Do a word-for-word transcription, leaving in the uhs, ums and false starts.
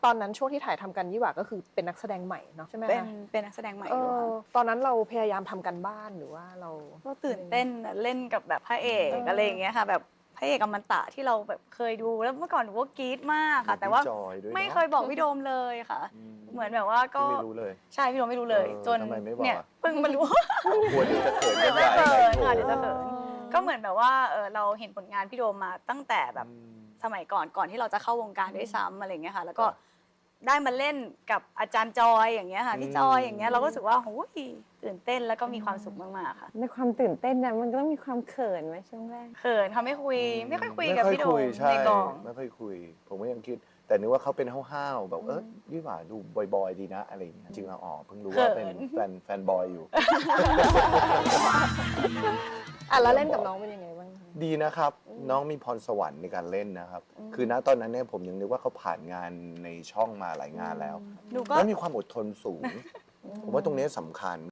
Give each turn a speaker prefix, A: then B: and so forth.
A: ตอนนั้นช่วงที่ถ่ายทำกันยี่หว่าก็คือเป็นนักแสดงใหม่เนาะใช่ไหม
B: เป็น
A: คะ
B: เป็นนักแสดงใหม่
A: เอ
B: อยู่
A: อ
B: ค่ะ
A: ตอนนั้นเราพยายามทำกันบ้านหรือว่าเรา
B: ก็ตื่นเต้นอะเล่นกับแบบพระเอก
A: เอออ
B: อะไรอย่างเงี้ยค่ะแบบพระเอกอมตะที่เราแบบเคยดูแล้วเมื่อก่อนหนูก็กรี๊ดมากค่ะ แต่ว่า
C: พี่จอยด้วยเนอะ
B: ไม่เคยบอกพี่โดมเลยค่ะ
C: อืม
B: เหมือนแบบว่าก็
C: พี่ไม่รู้เลย
B: ใช่พี่โดมไม่รู้เลย
C: เออ
B: จน
C: ทำไมไม่บอก
B: เนี่ย
C: อะ
B: เพิ่งมารู้
C: กลัวเดี๋ยวจะเขิน
B: เดี๋ยวจะ
C: ใหญ่
B: เขิน
C: โถ
B: ค่ะเดี๋ยวจะเขิน
A: เออ
B: ก็เหมือนแบบว่าเออเราเห็นผลงานพี่โดมมาตั้งแต่แบบ
C: อืม
B: สมัยก่อนก่อนที่เราจะเข้าวงการด้วยซ้ำอะไรอย่างเงี้ยค่ะ แล้วก็
C: ครับ
B: ได้มาเล่นกับอาจารย์จอยอย่างเงี้ยค่ะพี่
C: อืม
B: จอยอย่างเงี้ยเราก็รู้สึกว่าโอ้ยตื่นเต้นแล้วก็มีความสุขมากๆค่ะ
D: ในความตื่นเต้นนะมันก็ต้องมีความเขินไหมช่วงแรก
B: เขินเขาไม่คุย ไม่ค่อยคุยกับ
C: ไม่
B: พี่โด
C: คุ
B: ม
C: ยใช่
B: ในกอง
C: ไม่ค่อยคุย ผมก็ยังคิด แต่นึกว่าเขาเป็นห้าวๆแบบเออยี่หว่าดูบอยๆดีนะอะไรอย่างเงี้ยจริงๆแล้วอ๋อเพิ่งรู้ว่าเป็นแฟนแฟนบอยอยู่
A: อ่ะแล้วเล่นกับน้องเป็นยังไงบ้างคะ
C: ดีนะครับ น้องมีพรสวรรค์ในการเล่นนะครับ คือณตอนนั้นเนี่ยผมยังนึกว่าเขาผ่านงานในช่องมาหลายงานแล้ว
B: หนูก็
C: แล้วมีความอดทนสูง ผมว่าตรงนี้สำคัญ